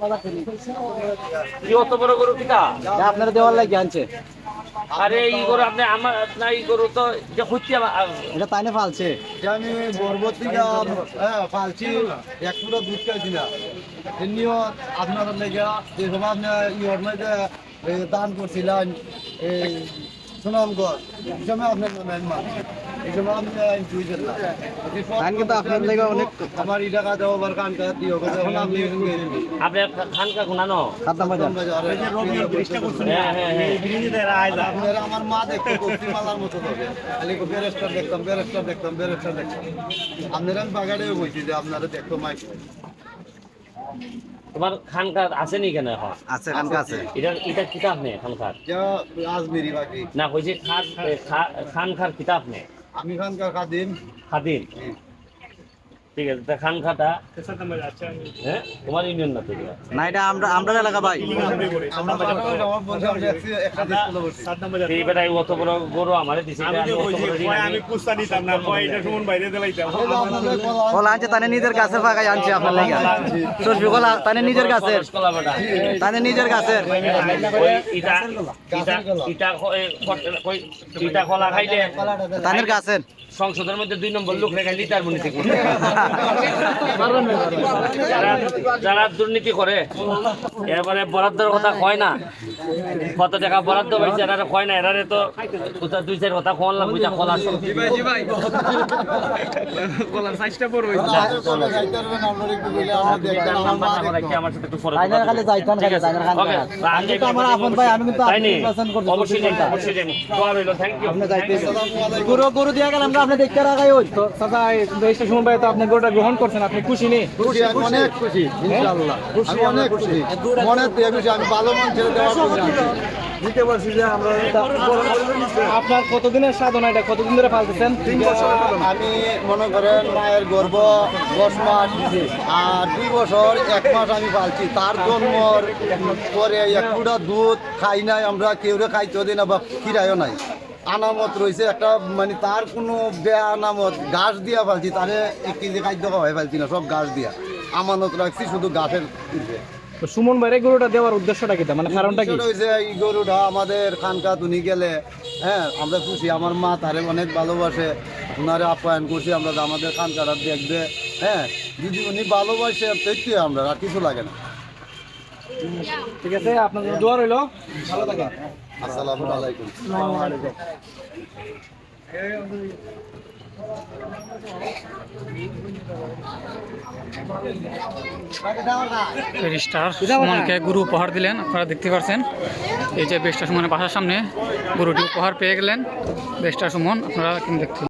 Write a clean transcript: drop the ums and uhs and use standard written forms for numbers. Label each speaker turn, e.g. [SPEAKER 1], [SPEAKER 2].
[SPEAKER 1] কি অত বড় গরু কিটা
[SPEAKER 2] আপনারা দেওয়ার লাগে আনছে।
[SPEAKER 1] আরে এই গরু আপনি আমার না এই গরু তো যে খুঁজছি
[SPEAKER 2] এটা তাই না ফালছে।
[SPEAKER 3] আমি বরবতী পালছি এক পুরো দুধ খাইছি না এমনিও আপনার লেগে যে সময় আপনি ইয়র মধ্যে দান করছিলেন এই সুনামগঞ্জ এই সময় আপনার নামেন মা এই সময় আপনি বুঝলেন না
[SPEAKER 2] ধান কিন্তু আপনার লেগে অনেক
[SPEAKER 3] আমার এই টাকা দেওয়া আবার কান কাজ দিয়ে যখন আপনি
[SPEAKER 1] আপনার খানকা গুনানো
[SPEAKER 2] খাদ্য বাজার।
[SPEAKER 3] আপনারা আমার মা দেখতো কফিমালার মতো হবে খালি ব্যারিস্টার দেখতাম ব্যারিস্টার দেখতাম ব্যারিস্টার দেখতাম আপনারা আমি বাগাড়েও বলছি যে আপনারা দেখতো মাইক
[SPEAKER 1] তোমার খানকার আছে নি কেন এখন
[SPEAKER 2] আছে খানকা আছে।
[SPEAKER 1] এটা কিতাব নেই খানকার
[SPEAKER 3] আজমেরি বাকি
[SPEAKER 1] না কইছে খানকার কিতাব নেই
[SPEAKER 3] আমি খানকার খাদিম
[SPEAKER 1] খাদিম ঠিক আছে তা খানখাটা হ্যাঁ তোমার ইউনিয়ন না তো এটা?
[SPEAKER 2] না এটা আমরা এলাকা ভাই।
[SPEAKER 3] আমরা আমার বন্ধু আমরা একটা দেশ করে বসি
[SPEAKER 1] এই বেটাই অত বড় গরু আমারে দিছে এটা আমি অত বড় ঋণ আমি
[SPEAKER 2] কলা আনছে তানে নিজের গাছের ফাঁকাই আনছে আপনার লেগে। সরবি কলা তানে নিজের গাছের
[SPEAKER 1] কলা বেটা
[SPEAKER 2] তানে নিজের গাছের।
[SPEAKER 1] ওই ইটা কলা খাইলে
[SPEAKER 2] তানের গাছের
[SPEAKER 1] সংসদের মধ্যে 2 নম্বর লোক রেখে লিটার মনে থেকে যারা দুর্নীতি করে এবারে বরাদ্দের কথা কয় না কত টাকা বরাদ্দ পাইছে এরা কয় না এরারে তো 2-4 কথা কোন লাগবে যা কলা
[SPEAKER 2] কলার সাইজটা বড়
[SPEAKER 1] আমার সাথে একটু ফরক
[SPEAKER 2] তাইনার খালি যাইতান খালি তাইনার খান। আমি তো আমার আপন ভাই আমি কিন্তু আপনি নির্বাচন করতে
[SPEAKER 1] অবশ্যই জানি অবশ্যই জানি দোয়া রইল থ্যাংক ইউ
[SPEAKER 2] আপনি যাইতে গরু দিয়া গেল আমরা আপনি দেখতে রাখাই ওই
[SPEAKER 4] তো চাচা দেশটা শুনুন ভাই তো আপনি গরুটা গ্রহণ করছেন, আপনি খুশি নেই?
[SPEAKER 3] খুশি আমি অনেক খুশি ইনশাআল্লাহ আমি অনেক খুশি মনে দিয়ে খুশি আমি ভালো মন ছেড়ে দেওয়ার জন্য দিতে পারছি যে আমরা
[SPEAKER 4] আপনার কতদিনের সাধনা, এটা কতদিন ধরে পালতেছেন?
[SPEAKER 3] 3 বছর আমি মনে করেন মায়ের গর্ভ 10 মাস আর 2 বছর 1 মাস আমি পালছি তার জন্মর পরে এক ফুটা দুধ খাই নাই আমরা কেউরে খাইতেও দিই না বা খিরাইও নাই আনামত রয়েছে একটা মানে তার কোনো বেয়া আনামত ঘাস দিয়া ফেলছি তারে 1 কেজি খাদ্য খাওয়াই ফেলছি না সব ঘাস দিয়া আমানত রাখছি শুধু ঘাসের উঠে
[SPEAKER 4] তো সুমন ভাইরে গরুটা দেওয়ার উদ্দেশ্যটা কি, মানে কারণটা কি?
[SPEAKER 3] হয়েছে এই গরুটা আমাদের খানকা তুনি গেলে হ্যাঁ আমরা খুশি আমার মা তারে অনেক ভালোবাসে ওনারে আপ্যায়ন করছি আমরা যে আমাদের খানকাটা দেখবে হ্যাঁ যদি উনি ভালোবাসে দেখতে আমরা আর কিছু লাগে না
[SPEAKER 4] ঠিক আছে, আপনাদের দোয়া রইল, ভালো থাকেন।
[SPEAKER 3] আসসালামু আলাইকুম
[SPEAKER 5] ব্যারিস্টার সুমনকে গরু উপহার দিলেন, আপনারা দেখতে পাচ্ছেন। এই যে ব্যারিস্টার সুমনের বাসার সামনে গরুটি উপহার পেয়ে গেলেন ব্যারিস্টার সুমন, আপনারা কিন্তু দেখতে